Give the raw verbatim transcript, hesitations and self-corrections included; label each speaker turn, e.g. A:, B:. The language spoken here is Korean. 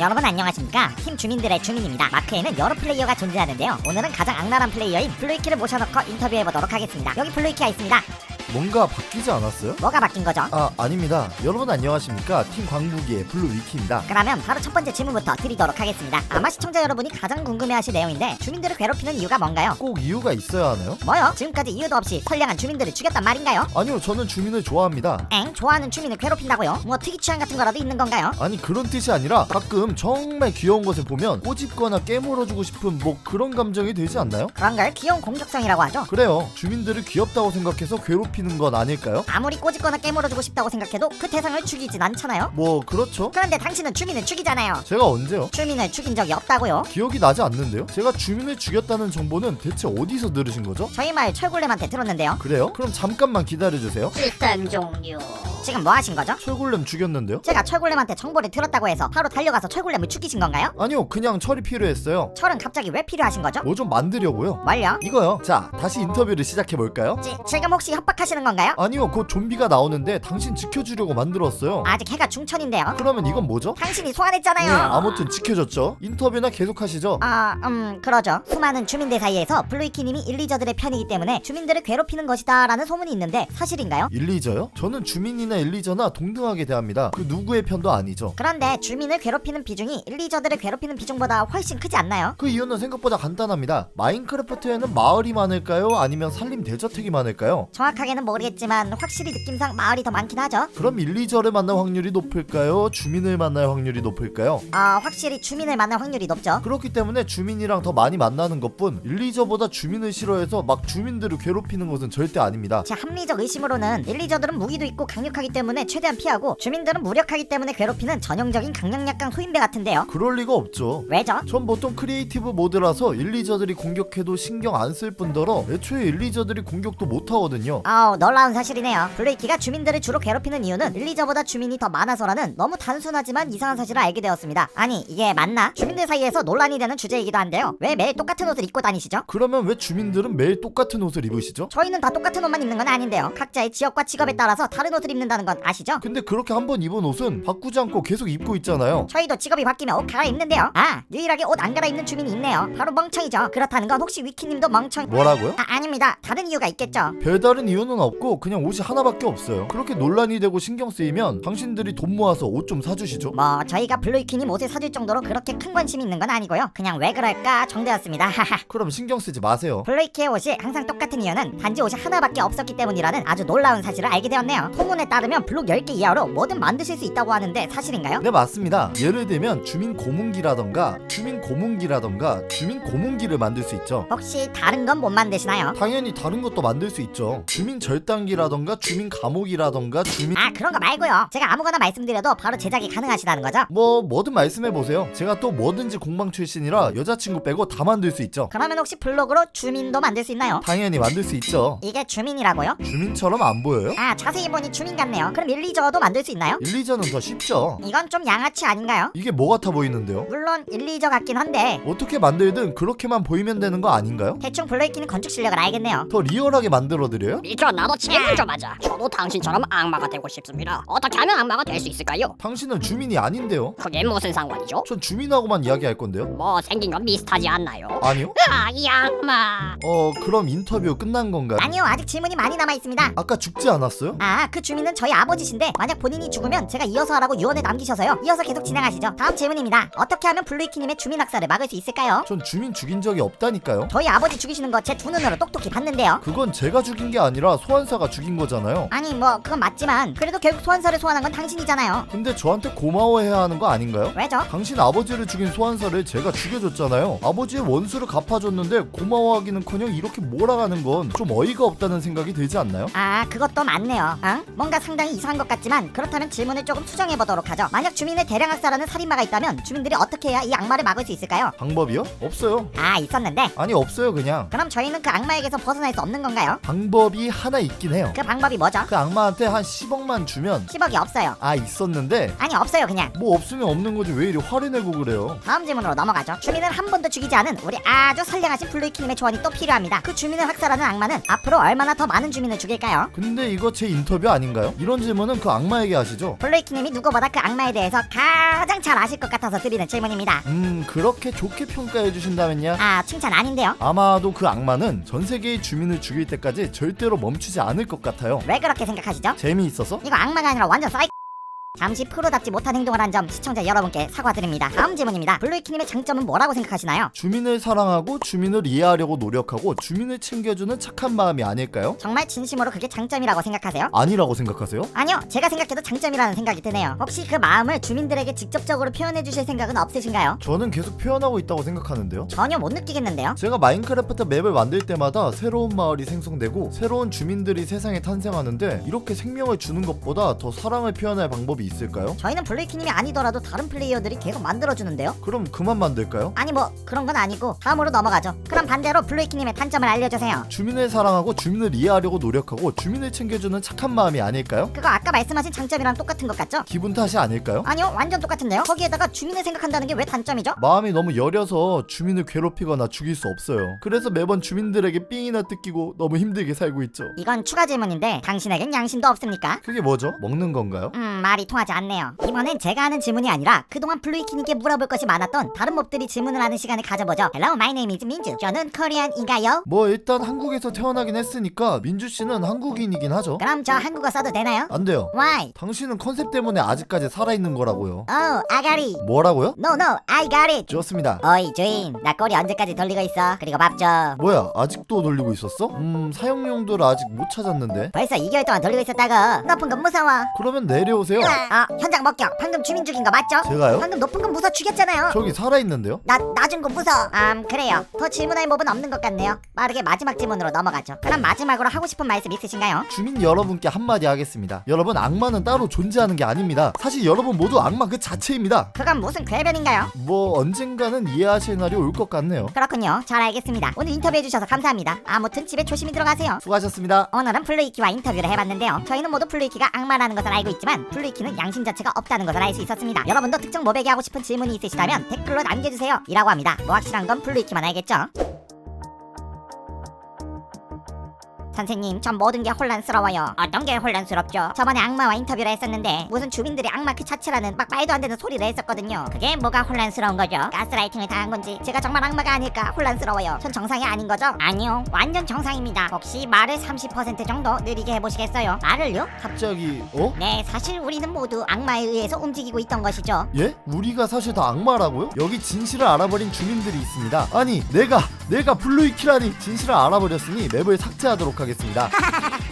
A: 여러분 안녕하십니까? 팀 주민들의 주민입니다. 마크에는 여러 플레이어가 존재하는데요. 오늘은 가장 악랄한 플레이어인 블루이키를 모셔놓고 인터뷰해보도록 하겠습니다. 여기 블루이키가 있습니다.
B: 뭔가 바뀌지 않았어요?
A: 뭐가 바뀐 거죠?
B: 아 아닙니다. 여러분 안녕하십니까? 팀 광부기의 블루위키입니다.
A: 그러면 바로 첫 번째 질문부터 드리도록 하겠습니다. 아마 시청자 여러분이 가장 궁금해하실 내용인데 주민들을 괴롭히는 이유가 뭔가요?
B: 꼭 이유가 있어야 하나요?
A: 뭐요? 지금까지 이유도 없이 선량한 주민들을 죽였단 말인가요?
B: 아니요, 저는 주민을 좋아합니다.
A: 엥? 좋아하는 주민을 괴롭힌다고요? 뭐 특이 취향 같은 거라도 있는 건가요?
B: 아니 그런 뜻이 아니라 가끔 정말 귀여운 것을 보면 꼬집거나 깨물어주고 싶은 뭐 그런 감정이 들지 않나요?
A: 그런 걸 귀여운 공격성이라고 하죠.
B: 그래요. 주민들을 귀엽다고 생각해서 괴롭히는 건 아닐까요?
A: 아무리 꼬집거나 깨물어주고 싶다고 생각해도 그 대상을 죽이진 않잖아요?
B: 뭐 그렇죠.
A: 그런데 당신은 주민을 죽이잖아요.
B: 제가 언제요?
A: 주민을 죽인 적이 없다고요?
B: 기억이 나지 않는데요? 제가 주민을 죽였다는 정보는 대체 어디서 들으신 거죠?
A: 저희 마을 철골렘한테 들었는데요.
B: 그래요? 그럼 잠깐만 기다려주세요.
A: 시스템 종료. 지금 뭐 하신 거죠?
B: 철골렘 죽였는데요?
A: 제가 철골렘한테 정보를 들었다고 해서 바로 달려가서 철골렘을 죽이신 건가요?
B: 아니요, 그냥 철이 필요했어요.
A: 철은 갑자기 왜 필요하신 거죠?
B: 뭐 좀 만들려고요.
A: 뭘요?
B: 이거요. 자, 다시 인터뷰를 시작해볼까요?
A: 지, 지금 혹시 협박하시는 건가요?
B: 아니요, 곧 좀비가 나오는데 당신 지켜주려고 만들었어요.
A: 아직 해가 중천인데요.
B: 그러면 이건 뭐죠?
A: 당신이 소환했잖아요.
B: 네, 아무튼 지켜줬죠. 인터뷰나 계속하시죠.
A: 아, 음, 그러죠. 수많은 주민들 사이에서 블루이키님이 일리저들의 편이기 때문에 주민들을 괴롭히는 것이다 라는 소문이 있는데 사실인가요?
B: 일리저요? 저는 주민이나 일리저나 동등하게 대합니다. 그 누구의 편도 아니죠.
A: 그런데 주민을 괴롭히는 비중이 일리저들을 괴롭히는 비중보다 훨씬 크지 않나요?
B: 그 이유는 생각보다 간단합니다. 마인크래프트에는 마을이 많을까요? 아니면 산림 대저택이 많을까요?
A: 정확하게는 모르겠지만 확실히 느낌상 마을이 더 많긴 하죠.
B: 그럼 일리저를 만날 확률이 높을까요? 주민을 만날 확률이 높을까요?
A: 아, 확실히 주민을 만날 확률이 높죠.
B: 그렇기 때문에 주민이랑 더 많이 만나는 것뿐, 일리저보다 주민을 싫어해서 막 주민들을 괴롭히는 것은 절대 아닙니다.
A: 제 합리적 의심으로는 일리저들은 무기도 있고 강력하기 때문에 최대한 피하고 주민들은 무력하기 때문에 괴롭히는 전형적인 강력약강 소인배 같은데요.
B: 그럴 리가 없죠.
A: 왜죠?
B: 전 보통 크리에이티브 모드라서 일리저들이 공격해도 신경 안 쓸 뿐더러 애초에 일리저들이 공격도 못하거든요.
A: 아우, 놀라운 사실이네요. 블루이키가 주민들을 주로 괴롭히는 이유는 일리저보다 주민이 더 많아서라는 너무 단순하지만 이상한 사실을 알게 되었습니다. 아니, 이게 맞나? 주민들 사이에서 논란이 되는 주제이기도 한데요. 왜 매일 똑같은 옷을 입고 다니시죠?
B: 그러면 왜 주민들은 매일 똑같은 옷을 입으시죠?
A: 저희는 다 똑같은 옷만 입는 건 아닌데요. 각자의 지역과 직업에 따라서 다른 옷을 입는다는 건 아시죠?
B: 근데 그렇게 한 번 입은 옷은 바꾸지 않고 계속 입고 있잖아요.
A: 저희도 직업이 바뀌면 옷 갈아입는데요. 아, 유일하게 옷 안 갈아입는 주민이 있네요. 바로 멍청이죠. 그렇다는 건 혹시 위키님도 멍청...
B: 뭐라고요?
A: 아, 아닙니다. 다른 이유가 있겠죠.
B: 별다른 이유는 없고 그냥 옷이 하나밖에 없어요. 그렇게 논란이 되고 신경 쓰이면 당신들이 돈 모아서 옷 좀 사주시죠.
A: 뭐 저희가 블루이키님 옷을 사줄 정도로 그렇게 큰 관심이 있는 건 아니고요. 그냥 왜 그럴까 정도였습니다. 하하.
B: 그럼 신경 쓰지 마세요.
A: 블루이키의 옷이 항상 똑같은 이유는 단지 옷이 하나밖에 없었기 때문이라는 아주 놀라운 사실을 알게 되었네요. 소문에 따르면 블록 열 개 이하로 뭐든 만드실 수 있다고 하는데 사실인가요?
B: 네, 맞습니다. 예를 들면 주민 고문기라던가 주민 고문기라던가 주민 고문기를 만들 수 있죠.
A: 혹시 다른 건 못 만드시나요?
B: 당연히 다른 것도 만들 수 있죠. 주민 절단기라던가 주민 감옥이라던가 주민...
A: 아, 그런 거 말고요. 제가 아무거나 말씀드려도 바로 제작이 가능하시다는 거죠?
B: 뭐 뭐든 말씀해보세요. 제가 또 뭐든지 공방 출신이라 여자친구 빼고 다 만들 수 있죠.
A: 그러면 혹시 블록으로 주민도 만들 수 있나요?
B: 당연히 만들 수 있죠.
A: 이게 주민이라고요?
B: 주민처럼 안 보여요?
A: 아, 자세히 보니 주민 같네요. 그럼 일리저도 만들 수 있나요?
B: 일리저는 더 쉽죠.
A: 이건 좀 양아치 아닌가요?
B: 이게 뭐 같아 보이는데요?
A: 물론 일리저 같긴 한데
B: 어떻게 만들든 그렇게만 보이면 되는 거 아닌가요?
A: 대충 블루이키는 건축 실력을 알겠네요.
B: 더 리얼하게 만들어드려요?
C: 미쳐, 나도 질문 좀 하자. 저도 당신처럼 악마가 되고 싶습니다. 어떻게 하면 악마가 될 수 있을까요?
B: 당신은 주민이 아닌데요?
C: 그게 무슨 상관이죠?
B: 전 주민하고만 이야기할 건데요?
C: 뭐 생긴 건 비슷하지 않나요?
B: 아니요?
C: 아, 이 악마.
B: 어 그럼 인터뷰 끝난 건가요?
A: 아니요, 아직 질문이 많이 남아있습니다.
B: 아까 죽지 않았어요?
A: 아, 그 주민은 저희 아버지신데 만약 본인이 죽으면 제가 이어서 하라고 유언을 남기셔서요. 이어서 계속 진행하시죠. 다음 질문입니다. 어떻게 하면 블루이키님의 주민 학살을 막을 수 있을까요?
B: 전 주민 죽인 적이 없다니까요?
A: 저희 아버지 죽이시는 거 제 두 눈으로 똑똑히 봤는데요.
B: 그건 제가 죽인 게 아니라 소환사가 죽인 거잖아요.
A: 아니, 뭐 그건 맞지만 그래도 결국 소환사를 소환한 건 당신이잖아요.
B: 근데 저한테 고마워해야 하는 거 아닌가요?
A: 왜죠?
B: 당신 아버지를 죽인 소환사를 제가 죽여줬잖아요. 아버지의 원수를 갚아줬는데 고마워하기는커녕 이렇게 몰아가는 건 좀 어이가 없다는 생각이 들지 않나요?
A: 아, 그것도 맞네요. 응? 뭔가 상당히 이상한 것 같지만 그렇다면 질문을 조금 수정해보도록 하죠. 만약 주민을 대량 학살하는 살인마가 있다면 주민들이 어떻게 해야 이 악마를 막을 수 있을까요?
B: 방법이요? 없어요.
A: 아, 있었는데
B: 아니 없어요 그냥.
A: 그럼 저희는 그 악마에게서 벗어날 수 없는 건가요?
B: 방법이 하나 있긴 해요.
A: 그 방법이 뭐죠?
B: 그 악마한테 한 십억만 주면
A: 십억이 없어요.
B: 아 있었는데
A: 아니, 없어요 그냥.
B: 뭐 없으면 없는 거지 왜 이리 화를 내고 그래요?
A: 다음 질문으로 넘어가죠. 주민을 한 번도 죽이지 않은 우리 아주 선량하신 블루이키님의 조언이 또 필요합니다. 그 주민을 학살하는 악마는 앞으로 얼마나 더 많은 주민을 죽일까요?
B: 근데 이거 제 인터뷰 아닌가요? 아닌가요? 이런 질문은 그 악마에게 하시죠.
A: 블루이키님이 누구보다 그 악마에 대해서 가장 잘 아실 것 같아서 드리는 질문입니다.
B: 음 그렇게 좋게 평가해 주신다면요?
A: 아, 칭찬 아닌데요?
B: 아마도 그 악마는 전 세계의 주민을 죽일 때까지 절대로 멈추지 않을 것 같아요.
A: 왜 그렇게 생각하시죠?
B: 재미있어서?
A: 이거 악마가 아니라 완전 사이. 잠시 프로답지 못한 행동을 한 점 시청자 여러분께 사과드립니다. 다음 질문입니다. 블루이키님의 장점은 뭐라고 생각하시나요?
B: 주민을 사랑하고 주민을 이해하려고 노력하고 주민을 챙겨주는 착한 마음이 아닐까요?
A: 정말 진심으로 그게 장점이라고 생각하세요?
B: 아니라고 생각하세요?
A: 아니요, 제가 생각해도 장점이라는 생각이 드네요. 혹시 그 마음을 주민들에게 직접적으로 표현해 주실 생각은 없으신가요?
B: 저는 계속 표현하고 있다고 생각하는데요.
A: 전혀 못 느끼겠는데요?
B: 제가 마인크래프트 맵을 만들 때마다 새로운 마을이 생성되고 새로운 주민들이 세상에 탄생하는데 이렇게 생명을 주는 것보다 더 사랑을 표현할 방법이 있을까요?
A: 저희는 블루이키님이 아니더라도 다른 플레이어들이 계속 만들어주는데요?
B: 그럼 그만 만들까요?
A: 아니 뭐 그런 건 아니고 다음으로 넘어가죠. 그럼 반대로 블루이키님의 단점을 알려주세요.
B: 주민을 사랑하고 주민을 이해하려고 노력하고 주민을 챙겨주는 착한 마음이 아닐까요?
A: 그거 아까 말씀하신 장점이랑 똑같은 것 같죠?
B: 기분 탓이 아닐까요?
A: 아니요, 완전 똑같은데요? 거기에다가 주민을 생각한다는 게 왜 단점이죠?
B: 마음이 너무 여려서 주민을 괴롭히거나 죽일 수 없어요. 그래서 매번 주민들에게 삥이나 뜯기고 너무 힘들게 살고 있죠.
A: 이건 추가 질문인데 당신에겐 양심도 없습니까?
B: 그게 뭐죠? 먹는 건가요?
A: 음, 말이 통하지 않네요. 이번엔 제가 하는 질문이 아니라 그동안 블루이키님께 물어볼 것이 많았던 다른 몹들이 질문을 하는 시간을 가져보죠. Hello, my name is 민주. 저는 코리안인가요?
B: 뭐 일단 한국에서 태어나긴 했으니까 민주씨는 한국인이긴 하죠.
A: 그럼 저 한국어 써도 되나요?
B: 안 돼요.
A: Why?
B: 당신은 컨셉 때문에 아직까지 살아있는 거라고요.
A: Oh, I got it.
B: 뭐라고요?
A: No, no, I got it.
B: 좋습니다.
A: 어이 주인, 나 꼬리 언제까지 돌리고 있어? 그리고 밥 줘.
B: 뭐야 아직도 돌리고 있었어? 음 사용용도를 아직 못 찾았는데.
A: 벌써 이 개월 동안 돌리고 있었다고. 높은 건 무서워.
B: 그러면 내려오세요.
A: 아, 현장 목격. 방금 주민 죽인 거 맞죠?
B: 제가요?
A: 방금 높은 건 무서 죽였잖아요.
B: 저기 살아있는데요?
A: 나 낮은 거 무서. 음, 그래요. 더 질문할 몹은 없는 것 같네요. 빠르게 마지막 질문으로 넘어가죠. 그럼 마지막으로 하고 싶은 말씀 있으신가요?
B: 주민 여러분께 한마디 하겠습니다. 여러분 악마는 따로 존재하는 게 아닙니다. 사실 여러분 모두 악마 그 자체입니다.
A: 그건 무슨 궤변인가요?
B: 뭐 언젠가는 이해하실 날이 올 것 같네요.
A: 그렇군요. 잘 알겠습니다. 오늘 인터뷰해주셔서 감사합니다. 아무튼 집에 조심히 들어가세요.
B: 수고하셨습니다.
A: 오늘은 블루이키와 인터뷰를 해봤는데요. 저희는 모두 블루이키가 악마라는 것을 알고 있지만 블루이키는 양심 자체가 없다는 것을 알 수 있었습니다. 여러분도 특정 몹에게 하고 싶은 질문이 있으시다면 댓글로 남겨주세요. 이라고 합니다. 뭐 확실한 건 블루이키만 알겠죠? 선생님, 전 모든 게 혼란스러워요. 어떤 게 혼란스럽죠? 저번에 악마와 인터뷰를 했었는데 무슨 주민들이 악마 그 자체라는 막 말도 안 되는 소리를 했었거든요. 그게 뭐가 혼란스러운 거죠? 가스라이팅을 당한 건지 제가 정말 악마가 아닐까 혼란스러워요. 전 정상이 아닌 거죠? 아니요, 완전 정상입니다. 혹시 말을 삼십 퍼센트 정도 느리게 해보시겠어요? 말을요?
B: 갑자기 어?
A: 네, 사실 우리는 모두 악마에 의해서 움직이고 있던 것이죠.
B: 예? 우리가 사실 다 악마라고요? 여기 진실을 알아버린 주민들이 있습니다. 아니 내가 내가 블루이키라니 진실을 알아버렸으니 맵을 삭제하도록 하겠습니다.